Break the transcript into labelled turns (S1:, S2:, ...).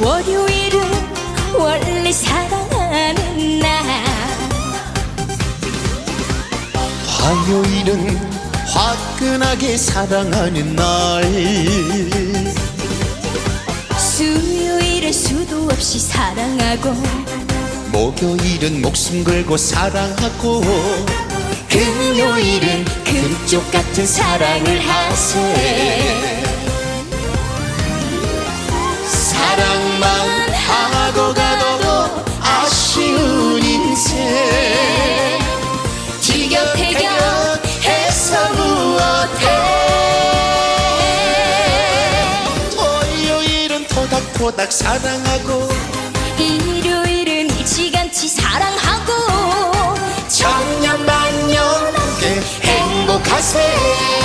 S1: 월요일은 원래 사랑하는 날,
S2: 화요일은 화끈하게 사랑하는 날,
S1: 수요일은 수도 없이 사랑하고,
S2: 목요일은 목숨 걸고 사랑하고, 금요일은 금쪽 같은 사랑을 하세. 사랑만 하고 가도 아쉬운 인생, 티격태격해서 무엇해. 토요일은 토닥토닥 사랑하고,
S1: 일요일은 일찌감치 사랑하고,
S2: 천년만년 함께 행복하세.